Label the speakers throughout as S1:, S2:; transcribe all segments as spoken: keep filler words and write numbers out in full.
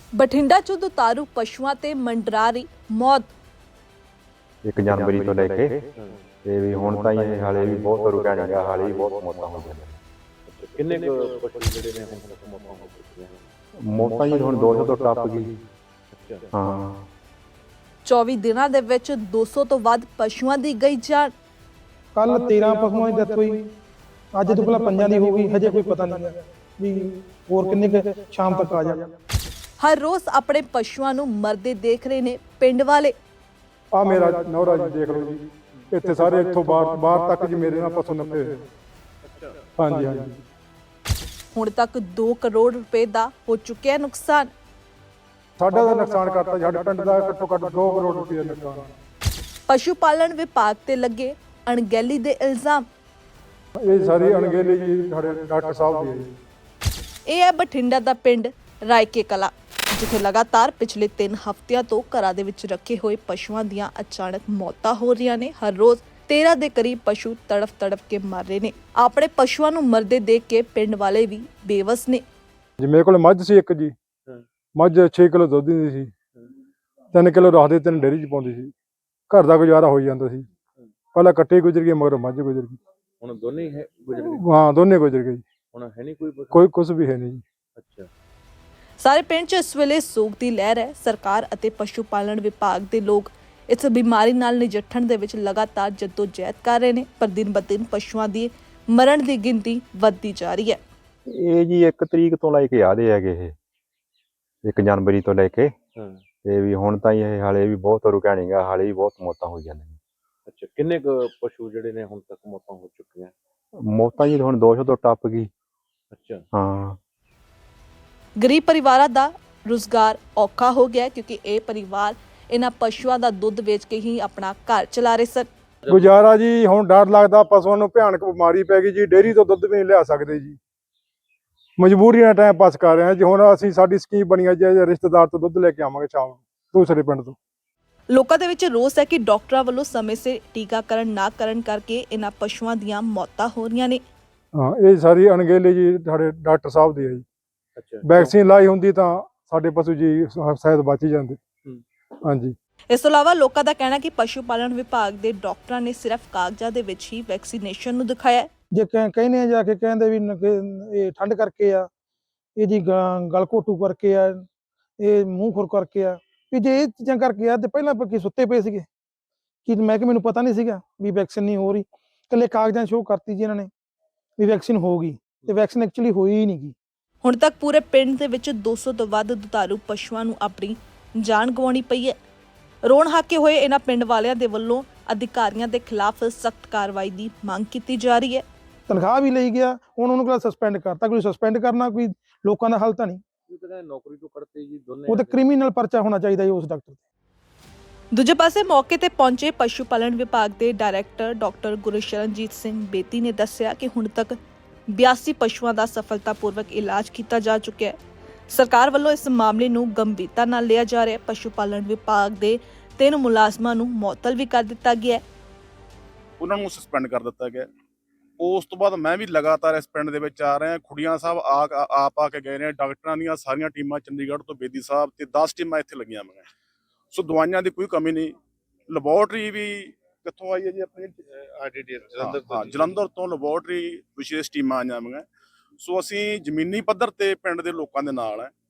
S1: ਬਠਿੰਡਾ 'ਚ ਦੁਤਾਰੂ ਪਸ਼ੂਆਂ ਤੇ ਮੰਡਰਾ ਰਹੀ ਮੌਤ।
S2: ਇੱਕ ਜਨਵਰੀ ਤੋਂ ਲੈ ਕੇ ਤੇ ਵੀ ਹੁਣ ਤਾਂ ਇਹ ਹਾਲੇ ਵੀ ਬਹੁਤ ਰੁਕਿਆ ਨਹੀਂ ਗਿਆ, ਹਾਲੇ ਵੀ ਬਹੁਤ ਮੌਤਾਂ ਹੋ ਗਈਆਂ।
S3: ਕਿੰਨੇ ਕੁ ਪਸ਼ੂ ਜਿਹੜੇ ਨੇ ਹੁਣ ਤੱਕ ਮੌਤਾਂ ਹੋ ਚੁੱਕੀਆਂ ਨੇ?
S2: ਮੌਤਾਂ ਜੀ ਹੁਣ ਦੋ ਸੌ ਤੋਂ ਟੱਪ ਗਈ।
S3: ਅੱਛਾ,
S2: ਹਾਂ
S1: ਚੌਵੀ ਦਿਨਾਂ ਦੇ ਵਿੱਚ ਦੋ ਸੌ ਤੋਂ ਵੱਧ ਪਸ਼ੂਆਂ ਦੀ ਗਈ ਜਾਨ।
S4: ਕੱਲ ਤੇਰਾਂ ਪਸ਼ੂਆਂ ਦੀ ਡੈਥ ਹੋਈ, ਅੱਜ ਤੋਂ ਪਹਿਲਾਂ ਪੰਜਾਂ ਦੀ ਹੋ ਗਈ, ਹਜੇ ਕੋਈ ਪਤਾ ਨਹੀਂ ਹੈ ਵੀ ਹੋਰ ਕਿੰਨੇ ਕੁ ਸ਼ਾਮ ਤੱਕ ਆ ਜਾਣ।
S1: ਹਰ ਰੋਜ਼ ਆਪਣੇ ਪਸ਼ੂਆਂ ਨੂੰ ਮਰਦੇ ਦੇਖ ਰਹੇ ਨੇ ਪਿੰਡ ਵਾਲੇ।
S5: ਆ ਮੇਰਾ ਨੌਰਾ ਜੀ ਦੇਖ ਲਓ ਜੀ, ਇੱਥੇ ਸਾਰੇ ਇੱਥੋਂ ਬਾਹਰ ਬਾਹਰ ਤੱਕ ਜੀ ਮੇਰੇ ਨਾਲ ਪਸ਼ੂ ਨੱਪੇ ਹੋਏ। ਹਾਂਜੀ ਹਾਂਜੀ
S1: ਹੁਣ ਤੱਕ ਦੋ ਕਰੋੜ ਰੁਪਏ ਦਾ ਹੋ ਚੁੱਕਿਆ ਨੁਕਸਾਨ।
S5: ਸਾਡਾ ਦਾ ਨੁਕਸਾਨ ਕਰਤਾ, ਸਾਡੇ ਪਿੰਡ ਦਾ ਘੱਟੋ ਘੱਟ ਦੋ ਕਰੋੜ ਰੁਪਏ ਦਾ ਨੁਕਸਾਨ।
S1: ਪਸ਼ੂ ਪਾਲਣ ਵਿਭਾਗ ਤੇ ਲੱਗੇ ਅਣਗਹਿਲੀ ਦੇ ਇਲਜ਼ਾਮ।
S5: ਇਹ ਸਾਰੀ ਅਣਗਹਿਲੀ ਜੀ ਸਾਡੇ ਡਾਕਟਰ ਸਾਹਿਬ ਦੀ ਹੈ ਜੀ।
S1: ਇਹ ਹੈ ਬਠਿੰਡਾ ਦਾ ਪਿੰਡ ਰਾਇਕੇ ਕਲਾ, ਜਿੱਥੇ ਲਗਾਤਾਰ ਪਿਛਲੇ ਤਿੰਨ ਹਫ਼ਤਿਆਂ ਤੋਂ ਘਰਾਂ ਦੇ ਵਿੱਚ ਰੱਖੇ ਹੋਏ ਪਸ਼ੂਆਂ ਦੀਆਂ ਅਚਾਨਕ ਮੌਤਾਂ ਹੋ ਰਹੀਆਂ ਨੇ। ਹਰ ਰੋਜ਼ ਤੇਰਾਂ ਦੇ ਕਰੀਬ ਪਸ਼ੂ ਤੜਫ ਤੜਫ ਕੇ ਮਰ ਰਹੇ ਨੇ। ਆਪਣੇ ਪਸ਼ੂਆਂ ਨੂੰ ਮਰਦੇ ਦੇਖ ਕੇ ਪਿੰਡ ਵਾਲੇ ਵੀ ਬੇਵਸ ਨੇ।
S5: ਜੀ ਮੇਰੇ ਕੋਲ ਮੱਝ ਸੀ ਇੱਕ ਜੀ, ਮੱਝ ਛੇ ਕਿਲੋ ਦੁੱਧ ਦਿੰਦੀ ਸੀ, ਤਿੰਨ ਕਿਲੋ ਰੱਖਦੇ ਤਿੰਨ ਡੇਅਰੀ 'ਚ ਪਾਉਂਦੀ ਸੀ, ਘਰ ਦਾ ਗੁਜ਼ਾਰਾ ਹੋ ਜਾਂਦਾ ਸੀ। ਪਹਿਲਾਂ ਕੱਟੇ ਗੁਜ਼ਰ ਗਏ, ਮਗਰ ਮੱਝ ਗੁਜ਼ਰ ਗਈ।
S3: ਹੁਣ ਦੋਨੇ ਹੀ ਹੈ ਗੁਜ਼ਰ ਗਏ?
S5: ਹਾਂ ਦੋਨੇ ਗੁਜ਼ਰ ਗਏ ਜੀ,
S3: ਹੁਣ ਹੈ ਨਹੀਂ ਕੋਈ ਪਸ਼ੂ?
S5: ਕੋਈ ਕੁਝ ਵੀ ਹੈ ਨਹੀਂ ਜੀ।
S3: ਅੱਛਾ,
S1: ਸਾਰੇ ਪਿੰਡ 'ਚ ਇਸ ਵੇਲੇ ਸੋਗ ਦੀ ਲਹਿਰ ਹੈ। ਸਰਕਾਰ ਅਤੇ ਪਸ਼ੂ ਪਾਲਣ ਵਿਭਾਗ ਦੇ ਲੋਕ ਇਸ ਬਿਮਾਰੀ ਨਾਲ ਨਜਿੱਠਣ ਦੇ ਵਿੱਚ ਲਗਾਤਾਰ ਜਦੋਜਹਿਦ ਕਰ ਰਹੇ ਨੇ, ਪਰ ਦਿਨ ਬ ਦਿਨ ਪਸ਼ੂਆਂ ਦੀ ਮਰਨ ਦੀ ਗਿਣਤੀ ਵੱਧਦੀ ਜਾ ਰਹੀ ਹੈ।
S2: ਇਹ ਜੀ ਇੱਕ ਤਰੀਕ ਤੋਂ ਲੈ ਕੇ ਆਦੇ ਹੈਗੇ, ਇਹ ਇੱਕ ਜਨਵਰੀ ਤੋਂ ਲੈ ਕੇ
S3: ਹਾਂ।
S2: ਤੇ ਵੀ ਹੁਣ ਤਾਂ ਇਹ ਹਾਲੇ ਵੀ ਬਹੁਤ ਰੁਕਿਆ ਨਹੀਂ ਗਿਆ, ਹਾਲੇ ਵੀ ਬਹੁਤ ਮੌਤਾਂ ਹੋ ਜਾਂਦੀਆਂ।
S3: ਅੱਛਾ, ਕਿੰਨੇ ਕੁ ਪਸ਼ੂ ਜਿਹੜੇ ਨੇ ਹੁਣ ਤੱਕ ਮੌਤਾਂ ਹੋ ਚੁੱਕੀਆਂ?
S2: ਮੌਤਾਂ ਜੀ ਹੁਣ ਦੋ ਸੌ ਤੋਂ ਟੱਪ ਗਈ।
S3: ਅੱਛਾ,
S2: ਹਾਂ
S1: ਗਰੀਬ ਪਰਿਵਾਰਾਂ ਦਾ ਰੁਜ਼ਗਾਰ ਔਖਾ ਹੋ ਗਿਆ, ਕਿਉਂਕਿ ਇਹ ਪਰਿਵਾਰ ਇਹਨਾਂ ਪਸ਼ੂਆਂ ਦਾ ਦੁੱਧ ਵੇਚ ਕੇ ਹੀ ਆਪਣਾ ਘਰ ਚਲਾ ਰਹੇ ਸਨ।
S5: ਗੁਜ਼ਾਰਾ ਜੀ ਹੁਣ ਡਰ ਲੱਗਦਾ, ਪਸ਼ੂਆਂ ਨੂੰ ਭਿਆਨਕ ਬਿਮਾਰੀ ਪੈ ਗਈ ਜੀ, ਡੇਅਰੀ ਤੋਂ ਦੁੱਧ ਵੀ ਨਹੀਂ ਲਿਆ ਸਕਦੇ ਜੀ, ਮਜਬੂਰੀ ਨਾਲ ਟਾਈਮ ਪਾਸ ਕਰ ਰਹੇ ਹਾਂ ਜੀ। ਹੁਣ ਅਸੀਂ ਸਾਡੀ ਸਕੀਮ ਬਣੀ ਹੈ ਜੀ, ਰਿਸ਼ਤੇਦਾਰ ਤੋਂ ਦੁੱਧ ਲੈ ਕੇ ਆਵਾਂਗੇ ਸ਼ਾਮ ਨੂੰ ਦੂਸਰੇ ਪਿੰਡ ਤੋਂ।
S1: ਲੋਕਾਂ ਦੇ ਵਿੱਚ ਰੋਸ ਹੈ ਕਿ ਡਾਕਟਰਾਂ ਵੱਲੋਂ ਸਮੇਂ ਸਿਰ ਟੀਕਾਕਰਨ ਨਾ ਕਰਨ ਕਰਕੇ ਇਹਨਾਂ ਪਸ਼ੂਆਂ ਦੀਆਂ ਮੌਤਾਂ ਹੋ ਰਹੀਆਂ ਨੇ।
S5: ਹਾਂ ਇਹ ਸਾਰੀ ਅਣਗਹਿਲੀ ਜੀ ਸਾਡੇ ਡਾਕਟਰ ਸਾਹਿਬ ਦੀ ਹੈ ਜੀ।
S3: ਅੱਛਾ,
S5: ਵੈਕਸੀਨ ਲਾਈ ਹੁੰਦੀ ਤਾਂ ਸਾਡੇ ਪਸ਼ੂ ਜੀ ਸ਼ਾਇਦ ਬਚ ਹੀ ਜਾਂਦੇ। ਹਾਂਜੀ,
S1: ਇਸ ਤੋਂ ਇਲਾਵਾ ਲੋਕਾਂ ਦਾ ਕਹਿਣਾ ਕਿ ਪਸ਼ੂ ਪਾਲਣ ਵਿਭਾਗ ਦੇ ਡਾਕਟਰਾਂ ਨੇ ਸਿਰਫ ਕਾਗਜ਼ਾਂ ਦੇ ਵਿੱਚ ਹੀ ਵੈਕਸੀਨੇਸ਼ਨ ਨੂੰ ਦਿਖਾਇਆ ਹੈ।
S4: ਜੇ ਕਹਿ- ਕਹਿੰਦੇ ਆ ਜਾ ਕੇ ਕਹਿੰਦੇ ਵੀ ਨ- ਕਿ ਇਹ ਠੰਡ ਕਰਕੇ ਆ, ਇਹ ਜੀ ਗ- ਗਲ ਘੋਟੂ ਕਰਕੇ ਆ, ਇਹ ਮੂੰਹ ਖੁਰ ਕਰਕੇ ਆ, ਵੀ ਜੇ ਇਹ ਚੀਜ਼ਾਂ ਕਰਕੇ ਆ ਤੇ ਪਹਿਲਾਂ ਆਪਾਂ ਕੀ ਸੁੱਤੇ ਪਏ ਸੀਗੇ ਕਿ ਮੈਂ ਕਿ ਮੈਨੂੰ ਪਤਾ ਨਹੀਂ ਸੀਗਾ ਵੀ ਵੈਕਸੀਨ ਨਹੀਂ ਹੋ ਰਹੀ। ਇਕੱਲੇ ਕਾਗਜ਼ਾਂ ਸ਼ੋਅ ਕਰਤੀ ਜੀ ਇਹਨਾਂ ਨੇ ਵੀ ਵੈਕਸੀਨ ਹੋ ਗਈ, ਤੇ ਵੈਕਸੀਨ ਐਕਚੁਅਲੀ ਹੋਈ ਹੀ ਨਹੀਂ ਗੀ।
S1: ਹੁਣ ਤੱਕ ਪੂਰੇ ਪਿੰਡ ਦੇ ਵਿੱਚ ਦੋ ਸੌ ਤੋਂ ਵੱਧ ਦੁਧਾਰੂ ਪਸ਼ੂਆਂ ਨੂੰ ਆਪਣੀ ਜਾਨ ਗਵਾਉਣੀ ਪਈ ਹੈ। ਰੋਣ ਹਾਕੇ ਹੋਏ ਇਹਨਾਂ ਪਿੰਡ ਵਾਲਿਆਂ ਦੇ ਵੱਲੋਂ ਅਧਿਕਾਰੀਆਂ ਦੇ ਖਿਲਾਫ ਸਖਤ ਕਾਰਵਾਈ ਦੀ ਮੰਗ ਕੀਤੀ ਜਾ ਰਹੀ ਹੈ।
S4: ਤਨਖਾਹ ਵੀ ਲਈ ਗਿਆ, ਹੁਣ ਉਹਨੂੰ ਕਿਹੜਾ ਸਸਪੈਂਡ ਕਰਤਾ। ਕੋਈ ਸਸਪੈਂਡ ਕਰਨਾ ਕੋਈ ਲੋਕਾਂ ਦਾ ਹੱਲ ਤਾਂ ਨਹੀਂ,
S3: ਉਹ ਕਹਿੰਦੇ ਨੌਕਰੀ ਤੋਂ ਕੱਢਤੇ ਜੀ ਦੋਨੇ।
S4: ਉਹ ਤਾਂ ਕ੍ਰਿਮੀਨਲ ਪਰਚਾ ਹੋਣਾ ਚਾਹੀਦਾ ਜੀ ਉਸ ਡਾਕਟਰ ਤੇ।
S1: ਦੂਜੇ ਪਾਸੇ ਮੌਕੇ ਤੇ ਪਹੁੰਚੇ ਪਸ਼ੂ ਪਾਲਣ ਵਿਭਾਗ ਦੇ ਡਾਇਰੈਕਟਰ ਡਾਕਟਰ ਗੁਰਸ਼ਰਨਜੀਤ ਸਿੰਘ ਬੇਦੀ ਨੇ ਦੱਸਿਆ ਕਿ ਹੁਣ ਤੱਕ ਬਿਆਸੀ ਪਸ਼ੂਆਂ ਦਾ ਸਫਲਤਾਪੂਰਵਕ ਇਲਾਜ ਕੀਤਾ ਜਾ ਚੁੱਕਿਆ ਹੈ। ਸਰਕਾਰ ਵੱਲੋਂ ਇਸ ਮਾਮਲੇ ਨੂੰ ਗੰਭੀਰਤਾ ਨਾਲ ਲਿਆ ਜਾ ਰਿਹਾ ਹੈ। ਪਸ਼ੂ ਪਾਲਣ ਵਿਭਾਗ ਦੇ ਤਿੰਨ ਮੁਲਾਜ਼ਮਾਂ ਨੂੰ ਮੁਅੱਤਲ ਵੀ ਕਰ ਦਿੱਤਾ ਗਿਆ ਹੈ।
S6: ਉਹਨਾਂ ਨੂੰ ਸਸਪੈਂਡ ਕਰ ਦਿੱਤਾ ਗਿਆ। ਉਸ ਤੋਂ ਬਾਅਦ ਮੈਂ ਵੀ ਲਗਾਤਾਰ ਇਸ ਪਿੰਡ ਦੇ ਵਿੱਚ ਆ ਰਿਹਾ। ਖੁੱਡੀਆਂ ਸਾਹਿਬ ਆ ਆਪ ਆ ਕੇ ਗਏ ਨੇ, ਡਾਕਟਰਾਂ ਦੀਆਂ ਸਾਰੀਆਂ ਟੀਮਾਂ ਚੰਡੀਗੜ੍ਹ ਤੋਂ ਬੇਦੀ ਸਾਹਿਬ ਤੇ ਦਸ ਟੀਮਾਂ ਇੱਥੇ ਲੱਗੀਆਂ ਹੋਈਆਂ। ਸੋ ਦਵਾਈਆਂ ਦੀ ਕੋਈ ਕਮੀ ਨਹੀਂ। ਲੈਬੋਰਟਰੀ ਵੀ ਕਿੱਥੋਂ ਆਈ ਹੈ ਜੀ ਆਪਣੀ? ਜਲੰਧਰ ਤੋਂ। ਜਲੰਧਰ ਤੋਂ ਲੈਬੋਰਟਰੀ ਵਿਸ਼ੇਸ਼ ਟੀਮਾਂ ਆਈਆਂ ਹੋਈਆਂ। ਸੋ ਅਸੀਂ ਜ਼ਮੀਨੀ ਪੱਧਰ ਤੇ ਪਿੰਡ ਦੇ ਲੋਕਾਂ ਦੇ ਨਾਲ ਹੈ,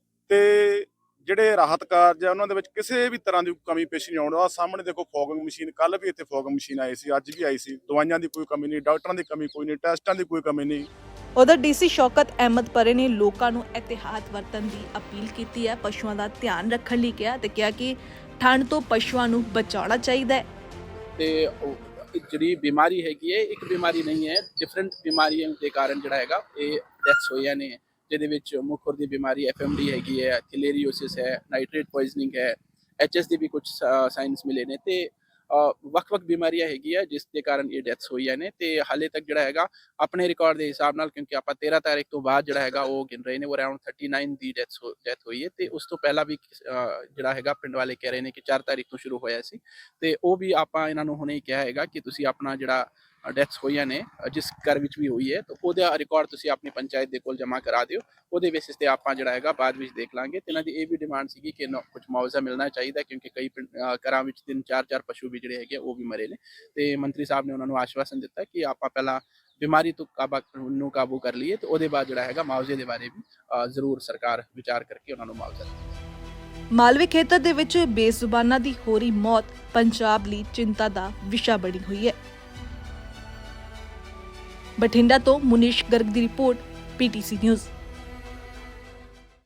S6: ਤੇ ਜਿਹੜੇ ਰਾਹਤ ਕਾਰਜ ਆ ਉਹਨਾਂ ਦੇ ਵਿੱਚ ਕਿਸੇ ਵੀ ਤਰ੍ਹਾਂ ਦੀ ਕਮੀ ਪੇਸ਼ ਨਹੀਂ ਆਉਣ। ਆਹ ਸਾਹਮਣੇ ਦੇਖੋ ਫੋਗਿੰਗ ਮਸ਼ੀਨ, ਕੱਲ ਵੀ ਇੱਥੇ ਫੋਗਿੰਗ ਮਸ਼ੀਨ ਆਈ ਸੀ, ਅੱਜ ਵੀ ਆਈ ਸੀ। ਦਵਾਈਆਂ ਦੀ ਕੋਈ ਕਮੀ ਨਹੀਂ, ਡਾਕਟਰਾਂ ਦੀ ਕਮੀ ਕੋਈ ਨਹੀਂ, ਟੈਸਟਾਂ ਦੀ ਕੋਈ ਕਮੀ ਨਹੀਂ।
S1: ਉਧਰ ਡੀਸੀ ਸ਼ੌਕਤ ਅਹਿਮਦ ਪਰੇ ਨੇ ਲੋਕਾਂ ਨੂੰ ਇਹਤਿਆਤ ਵਰਤਣ ਦੀ ਅਪੀਲ ਕੀਤੀ ਹੈ। ਪਸ਼ੂਆਂ ਦਾ ਧਿਆਨ ਰੱਖਣ ਲਈ ਕਿਹਾ ਤੇ ਕਿਹਾ ਕਿ ਠੰਡ ਤੋਂ ਪਸ਼ੂਆਂ ਨੂੰ ਬਚਾਉਣਾ ਚਾਹੀਦਾ ਹੈ।
S7: ਤੇ ਜਿਹੜੀ ਬਿਮਾਰੀ ਹੈਗੀ ਹੈ ਇੱਕ ਬਿਮਾਰੀ ਨਹੀਂ ਹੈ, ਡਿਫਰੈਂਟ ਬਿਮਾਰੀਆਂ ਦੇ ਕਾਰਨ ਜਿਹੜਾ ਹੈਗਾ ਇਹ ਡੈਥਸ ਹੋਈਆਂ ਨੇ, ਜਿਹਦੇ ਵਿੱਚ ਮੁੱਖ ਖੁਰ ਦੀ ਬਿਮਾਰੀ ਐਫ ਐਮ ਡੀ ਹੈਗੀ ਹੈ, ਥਿਲੇਰੀਓਸਿਸ ਹੈ, ਨਾਈਟ੍ਰੇਟ ਪੋਇਜ਼ਨਿੰਗ ਹੈ, ਐਚ ਐਸ ਦੀ ਵੀ ਕੁਝ ਸਾਇੰਸ ਮਿਲੇ ਨੇ, ਤੇ ਵੱਖ-ਵੱਖ ਬਿਮਾਰੀਆਂ ਹੈਗੀਆਂ ਜਿਸ ਦੇ ਕਾਰਨ ਇਹ ਡੈਥਸ ਹੋਈਆਂ ਨੇ। ਤੇ ਹਾਲੇ ਤੱਕ ਜਿਹੜਾ ਹੈਗਾ ਆਪਣੇ ਰਿਕਾਰਡ ਦੇ ਹਿਸਾਬ ਨਾਲ, ਕਿਉਂਕਿ ਆਪਾਂ ਤੇਰਾਂ ਤਾਰੀਖ ਤੋਂ ਬਾਅਦ ਜਿਹੜਾ ਹੈਗਾ ਉਹ ਗਿਣ ਰਹੇ ਨੇ, ਉਹ ਅਰਾਊਂਡ ਥਰਟੀ ਨਾਈਨ ਦੀ ਡੈਥਸ ਡੈਥ ਹੋਈ ਹੈ। ਤੇ ਉਸ ਤੋਂ ਪਹਿਲਾਂ ਵੀ ਜਿਹੜਾ ਹੈਗਾ ਪਿੰਡ ਵਾਲੇ ਕਹਿ ਰਹੇ ਨੇ ਕਿ ਚਾਰ ਤਾਰੀਖ ਤੋਂ ਸ਼ੁਰੂ ਹੋਇਆ ਸੀ, ਤੇ ਉਹ ਵੀ ਆਪਾਂ ਇਹਨਾਂ ਨੂੰ ਹੁਣੇ ਹੀ ਕਿਹਾ ਹੈਗਾ ਕਿ ਤੁਸੀਂ ਆਪਣਾ ਜਿਹੜਾ ਡੈਥਸ ਹੋਈਆਂ ਨੇ ਅ, ਜਿਸ ਘਰ ਵਿੱਚ ਵੀ ਹੋਈ ਹੈ, ਤਾਂ ਉਹਦਾ ਰਿਕਾਰਡ ਤੁਸੀਂ ਆਪਣੀ ਪੰਚਾਇਤ ਦੇ ਕੋਲ ਜਮ੍ਹਾਂ ਕਰਾ ਦਿਓ। ਉਹਦੇ ਬੇਸਿਸ ਤੇ ਆਪਾਂ ਜਿਹੜਾ ਹੈਗਾ ਬਾਅਦ ਵਿੱਚ ਦੇਖ ਲਾਂਗੇ। ਤੇ ਇਹਨਾਂ ਦੀ ਇਹ ਵੀ ਡਿਮਾਂਡ ਸੀਗੀ ਕਿ ਨਾ ਕੁਝ ਮੁਆਵਜ਼ਾ ਮਿਲਣਾ ਚਾਹੀਦਾ, ਕਿਉਂਕਿ ਕਈ ਪਿੰਡ- ਅ, ਘਰਾਂ ਵਿੱਚ ਤਿੰਨ ਚਾਰ ਚਾਰ ਪਸ਼ੂ ਵੀ ਜਿਹੜੇ ਹੈਗੇ ਉਹ ਵੀ ਮਰੇ ਨੇ। ਤੇ ਮੰਤਰੀ ਸਾਹਿਬ ਨੇ ਉਹਨਾਂ ਨੂੰ ਆਸ਼ਵਾਸਨ ਦਿੱਤਾ ਕਿ ਆਪਾਂ ਪਹਿਲਾਂ ਬਿਮਾਰੀ ਤੋਂ ਕਾਬਾ ਨੂੰ ਕਾਬੂ ਕਰ ਲਈਏ, ਤੇ ਉਹਦੇ ਬਾਅਦ ਜਿਹੜਾ ਹੈਗਾ ਮੁਆਵਜ਼ੇ ਦੇ ਬਾਰੇ ਵੀ ਅ, ਜ਼ਰੂਰ ਸਰਕਾਰ ਵਿਚਾਰ ਕਰਕੇ ਉਹਨਾਂ ਨੂੰ ਮੁਆਵਜ਼ਾ ਦੇਵੇ।
S1: ਮਾਲਵੇ ਖੇਤਰ ਦੇ ਵਿੱਚ ਬੇਜ਼ੁਬਾਨਾਂ ਦੀ ਹੋ ਰਹੀ ਮੌਤ ਪੰਜਾਬ ਲਈ ਚਿੰਤਾ ਦਾ ਵਿਸ਼ਾ ਬਣੀ ਹੋਈ ਹੈ। ਬਠਿੰਡਾ ਤੋਂ ਮੁਨੀਸ਼ ਗਰਗ ਦੀ ਰਿਪੋਰਟ, ਪੀਟੀਸੀ ਨਿਊਜ਼।